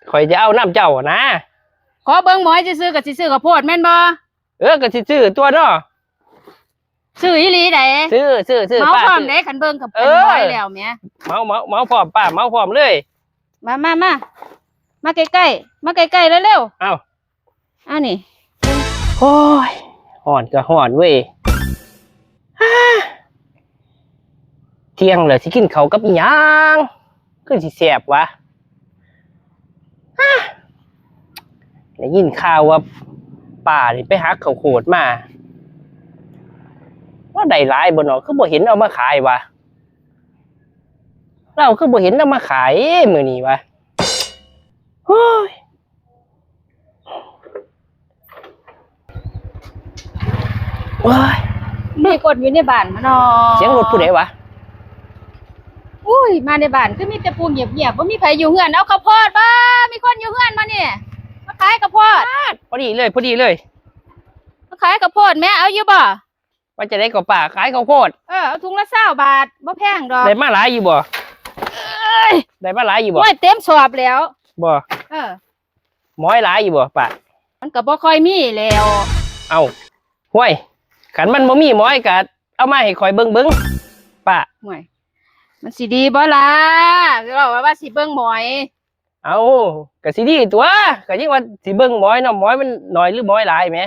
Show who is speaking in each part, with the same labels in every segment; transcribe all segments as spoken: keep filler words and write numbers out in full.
Speaker 1: ข่อยจะเอาน้ำเจ้านะ
Speaker 2: ขอเบิ่งหมอยซื้อๆกับสิซื้อข้าวโพดแม่นบ่
Speaker 1: เออก็สิซื้อตัวเนาะ
Speaker 2: ซื้ออีหลีได้
Speaker 1: ซื้อซื้อซื้อ
Speaker 2: เมาพร้อมเด้คันเบิ่งกับเป็นหมอยแล้วแม่
Speaker 1: เมาเมาเมาพร้อมป้าเมาพร้อมเลย
Speaker 2: มามามามาใกล้ๆมาใกล้ๆเร็ว
Speaker 1: ๆเอ้า
Speaker 2: อ้าวนี่
Speaker 1: โอ้ยห่อนก็ห่อนเว้ยเที่ยงเลยสิกินเขากับอีหยังคือสิแซ่บวะได้ยินข่าวว่าป่านี่ไปหาข้าวโพดมาว่าได้หลายบ่เนาะคือบ่เห็นเอามาขายวะเราคือบ่เห็นเอามาขายมื้อนี้วะโอ้ยโอ้ย
Speaker 2: มีกดอยู่ในบ้านมาเนาะ
Speaker 1: เสียงรถผู้ใดวะ
Speaker 2: อุ้ยมาในบ้านคือมีแต่ปูเงียบๆบ่มีไผอยู่เฮือนเอาข้าวโพดบ่มีคนอยู่เฮือนมาเนี่ยมาขายข้าวโพด
Speaker 1: พอดีเลยพอดีเลย
Speaker 2: มาขายข้าวโพดแม่เอาอยู่บ่
Speaker 1: ว่าจะได้กับป่าขายข้าวโพด
Speaker 2: เออเอาถุงละเก้าบาทบ่แพงดอก
Speaker 1: ได้มาหลายอยู่บ่เอ้ยได้มาหลายอยู่บ่
Speaker 2: โอ้ยเต็มสอบแล้ว
Speaker 1: บ่
Speaker 2: เออ
Speaker 1: หมอยหลายอยู่บ่ป่า
Speaker 2: มันก็บ่ค่อยมีแล้ว
Speaker 1: เอ้าห้วยขันมันบ่มีหมอยก็เอามาให้ข่อยเบิ่งเบิ่งป่า
Speaker 2: ห่วยมันสิดีบ่ล่ะเราว่าว่าสิเบิ่งหมอย
Speaker 1: เอาก็สิดีตัวก็ยังว่าสิเบิ่งหมอยเนาะหมอยมันน้อยหรือหมอยหลายแหม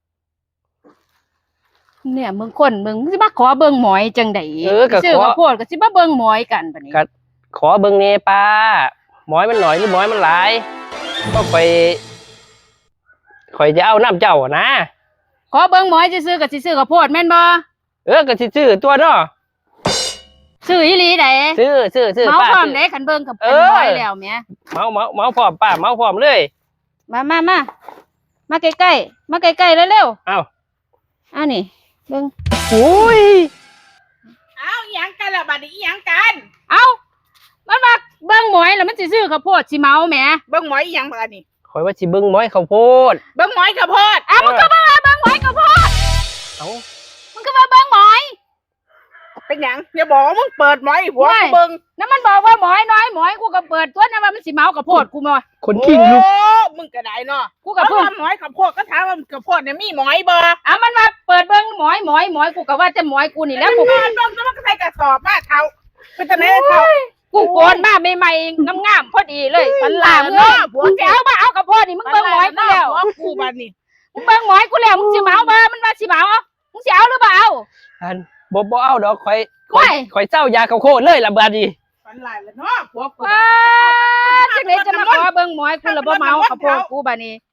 Speaker 2: เนี่ยมึงคนมึงสิมาขอเบิ่งหมอยจังได๋
Speaker 1: เออก็
Speaker 2: ซื้อข้าวโพดก็สิมาเบิ่งหมอยกันบัดนี้
Speaker 1: ก็ขอเบิ่งแน่ป้าหมอยมันน้อยหรือหมอยมันหลายก็ค่อยค่อยจะเอาน้ำเจ้านะ
Speaker 2: ขอเบิ่งหมอยซื้อๆก็สิซื้อข้าวโพดแม่นบ่
Speaker 1: เออก็สิซื้อตัวเนาะ
Speaker 2: ซื้ออีหลีได้
Speaker 1: ซื้อซื้อซื้อ
Speaker 2: เมาพร้อมเด้คันเบิ่งกับเป็นหมอยแล้วแม่
Speaker 1: เมาเมาเมาพร้อมป้าเมาพร้อมเลย
Speaker 2: มามามามาใกล้ๆมาใกล้ๆเร็ว
Speaker 1: ๆเอ้า
Speaker 2: อ้าวนี่เบิ่ง
Speaker 1: โอ้ย
Speaker 3: เอ้าอีหยังกันล่ะบัดนี้อีหยังกัน
Speaker 2: เอ้ามันว่าเบิ่งหมอยแล้วมันสิซื้อข้าวโพดสิเมาแหม
Speaker 3: เบิ่งหมอยอีหยังบัดนี้
Speaker 1: ข่อยว่าสิเบิ่งหมอยข้าวโพด
Speaker 3: เบิ่งหมอยข้าวโพด
Speaker 2: อ้าวมันก็มาเบิ่งหมอยข้าวโพด
Speaker 1: เอ้า
Speaker 2: มันก็มาเบิ่งหมอย
Speaker 3: เป็นหยังอย่าบอกว่ามึงเปิดหมอยหัวกูเบิ่ง
Speaker 2: นั่นมันบอกว่าหมอยน้อยหมอยกูก็เปิดตัวนั่นว่ามันสิเมาข้าวโพดกูมา
Speaker 1: คนขิงลูก
Speaker 3: โอ้มึงก็ได้เนาะ
Speaker 2: กูก็เพิ่ง
Speaker 3: หมอยข้าวโพดก็ถามว่าข้าวโพดเนี่ยมีหมอยบ่
Speaker 2: อ้าวมันมาเปิดเบิ่งหมอยหมอยหมอยกูก็ว่าจะหมอยกูนี่แล้วกู
Speaker 3: นอนลงแล้วมันก็ใส่กระสอบมาเท่าเป็นจังได๋เท่า
Speaker 2: กูโกนมาใหม่ๆงามๆพอดีเลยมันลามเนาะมึงสิเอามาเอาข้าวโพดนี่มึงเบิ่งหมอยกูแล้ว
Speaker 3: กูบัดนี้
Speaker 2: มึงเบิ่งหมอยกูแล้วมึงสิเมาบ่มันว่าสิเมามึงสิเอาหรือบ่เอา
Speaker 1: อันบ่บ่เอาดอกข่อยข่อยข่อยเจ้ายาข้าวโพดเลยล่ะบัดนี้
Speaker 3: ฝันหลายแล้วเนาะผัวกู
Speaker 2: จังได๋จะมาขอเบิ่งหมอยกูแล้วบ่เมาข้าวโพดกูบัดนี้